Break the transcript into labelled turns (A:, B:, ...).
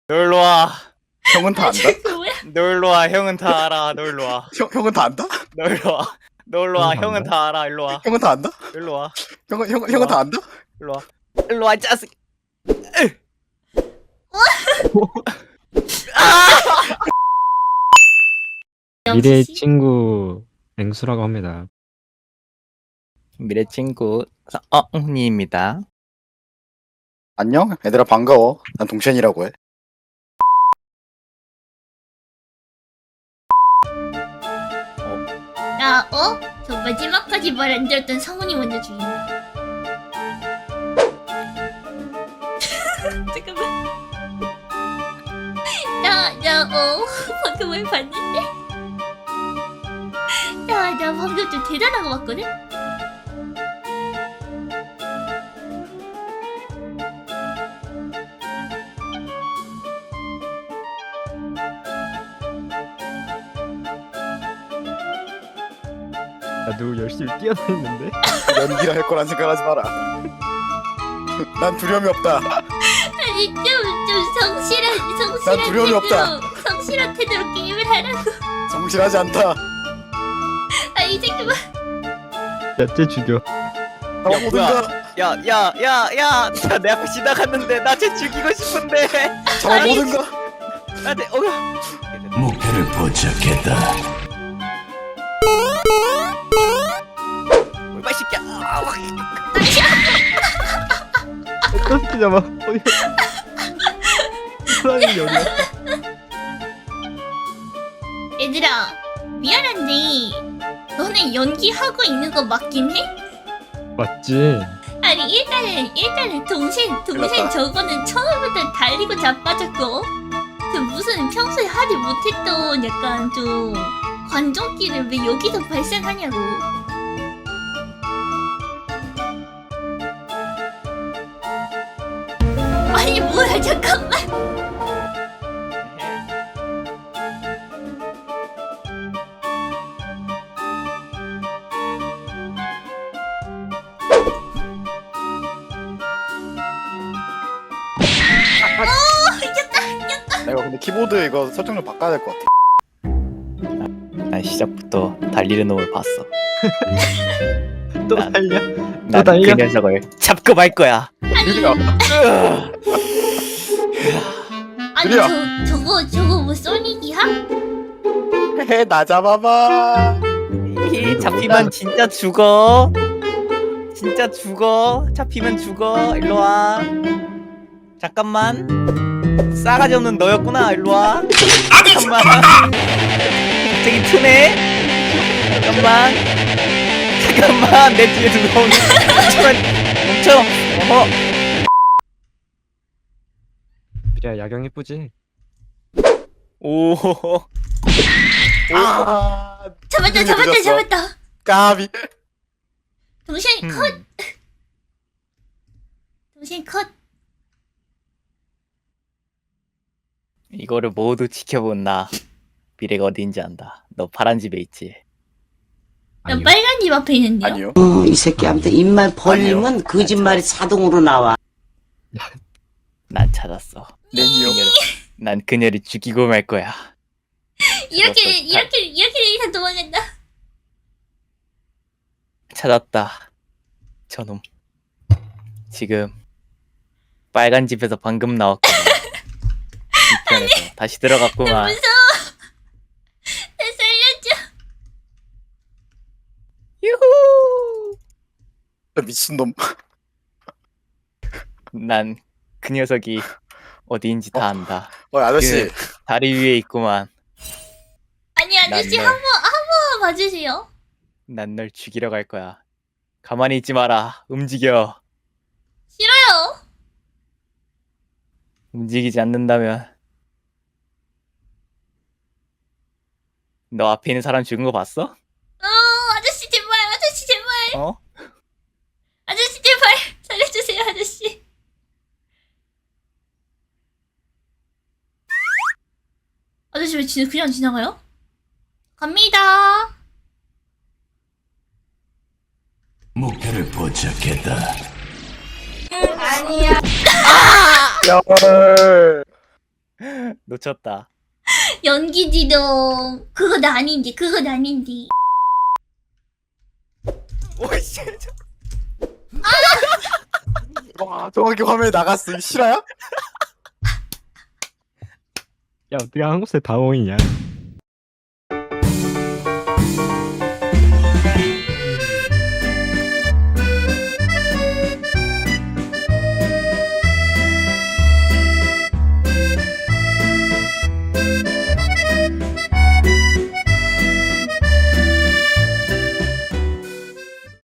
A: 놀러 와.
B: 형은 다 안다?
C: 뭐야?
A: 놀러 와. 형은 다 알아. 놀러 와.
B: 형은 다 안다?
A: 놀러 와. 놀러 와. 형은 다 알아. 일로 와.
B: 형은 다 안다?
A: 일로 와.
B: 형은 다 안다?
A: 일로 와. 일로 와, 짜식.
D: 미래의 친구 앵수라고 합니다.
A: 미래 친구 님입니다.
B: 안녕? 얘들아 반가워. 난 동첸이라고 해.
C: 나 저 마지막까지 말 안 들었던 성훈이 먼저 죽인다. 잠깐만. 방금 뭘 봤는데? 나 방금 좀 대단한 거 봤거든?
D: 나도 열심히 뛰어다니는데?
B: 연기라 할 거란 생각하지 마라. 난 두려움이 없다.
C: 아니 좀 성실한
B: 난 두려움이 없다.
C: 성실한 태도로 게임을 하라고.
B: 성실하지 않다.
C: 아니 잠깐만.
D: 야쟤 죽여.
B: 나 모든가
A: 야, 내 앞에 지나갔는데 나 쟤 죽이고 싶은데.
B: 잡아 모든가.
A: 나한테
E: 목표를 포착했다.
A: 얼마 시켜.
D: 어떻게 잡아? 어디? 사람이 어디야?
C: 얘들아 미안한데 너네 연기하고 있는 거 맞긴 해?
D: 맞지?
C: 아니 일단은 동생
B: 일났다.
C: 저거는 처음부터 달리고 자빠졌고 그 무슨 평소에 하지 못했던 약간 좀 관종기를 왜 여기서 발생하냐고. 아니 뭐야 잠깐만.
B: 내가 근데 키보드 이거 설정을 바꿔야 될 것 같아.
A: 난 시작부터 달리는 놈을 봤어.
D: 또
A: 난-
D: 달려?
A: 난
D: 달려?
A: 그 녀석을 잡고 말 거야.
B: 느리야.
C: 아니
B: 느려.
C: 저거 뭐 소닉이야?
B: 나 잡아봐.
A: 잡히면 진짜 죽어. 진짜 죽어. 잡히면 죽어. 일로 와. 잠깐만. 싸가지 없는 너였구나. 일로 와. 잠깐만. 갑자기 트네. 잠깐만. 내 뒤에 누가 오니? 멈춰. 어허.
D: 미래야 야경 예쁘지?
A: 오.
B: 아,
C: 잡았다
B: 늦었어.
C: 잡았다.
B: 까비.
C: 동생 컷. 동생 컷.
A: 이거를 모두 지켜본 나. 미래가 어디인지 안다. 너 파란 집에 있지.
C: 나
D: 아니요.
C: 빨간 집 앞에 있는데요.
B: 아니요.
F: 이 새끼한테 입만 벌리면 거짓말이 자동으로 나와.
A: 난 찾았어.
B: 내니요.
A: 난 그녀를 죽이고 말 거야.
C: 이렇게
A: 잡았어.
C: 이상 도망간다.
A: 찾았다. 저놈. 지금 빨간 집에서 방금 나왔거든. 뒤편에서 다시 들어갔구만.
C: 무서워. 나 살려줘.
A: 유후.
B: 미친놈.
A: 난 그 녀석이 어디인지 다 안다.
B: 아저씨.
A: 다리 위에 있구만.
C: 아니 아저씨
A: 난
C: 한 번 봐주세요.
A: 난 널 죽이러 갈 거야. 가만히 있지 마라. 움직여.
C: 싫어요.
A: 움직이지 않는다면 너 앞에 있는 사람 죽은 거 봤어?
C: 아저씨 제발 아저씨 제발
A: 어?
C: 아저씨 제발 살려주세요 아저씨. 아저씨 왜 그냥 지나가요? 갑니다.
E: 목표를 포착했다.
C: 아니야.
B: 열.
A: 놓쳤다.
C: 연기지동. 그건 아닌데, 그건 아닌데.
B: 오이씨. 와 정확히 화면에 나갔어. 이거 실화야?
D: 야 어떻게 한국 새 다원이냐?